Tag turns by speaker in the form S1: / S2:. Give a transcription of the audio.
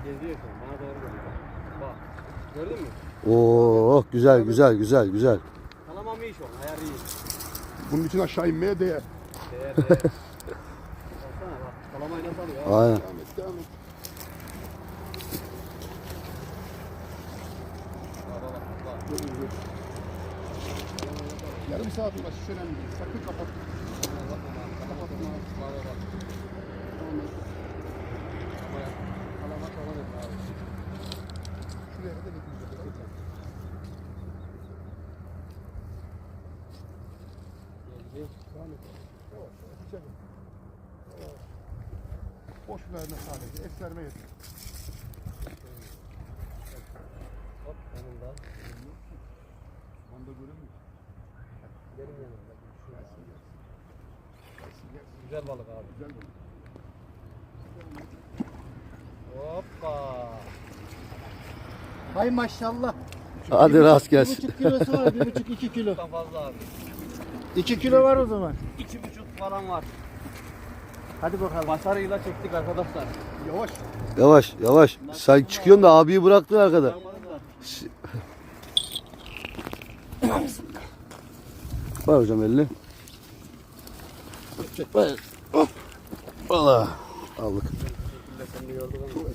S1: Geziyor şu an. Bana doğru geliyor. Bak. Gördün mü?
S2: Oo güzel güzel güzel güzel.
S1: Kalamam iyi şu an. Ayar iyi.
S3: Bunun için aşağı inmeye değer.
S1: Değer değer. Baksana bak. Kalamayı nasıl alıyor?
S2: Aynen.
S3: Devam et, devam et.
S1: Bak bak bak.
S3: Dur, dur, dur. Yarım saat uğraş, hiç önemli değil. Sakın kapat. Kapatma. Devam et. Şuraya kadar getireceğim. Devam et. Yavaş yavaş içeri. Boş verme sadece. Es verme yeter.
S1: Hop yanında.
S3: Onda göremiyor.
S1: Benim yanımda.
S3: Gelsin, gelsin. Gelsin, gelsin.
S1: Güzel balık abi.
S3: Güzel mi?
S1: Hoppa.
S4: Hay maşallah.
S2: Hadi rast gelsin.
S4: 1,5 kilosu var, 1,5-2 kilo.
S1: Çok fazla abi.
S4: 2 kilo var o zaman.
S1: 2,5 falan var.
S4: Hadi bakalım.
S1: Başarıyla çektik arkadaşlar.
S3: Yavaş.
S2: Yavaş yavaş. Sen çıkıyorsun da abiyi bıraktın arkada. Var hocam elini. Ver. Hop. Valla. Aldık.
S1: Sen de gördün ama.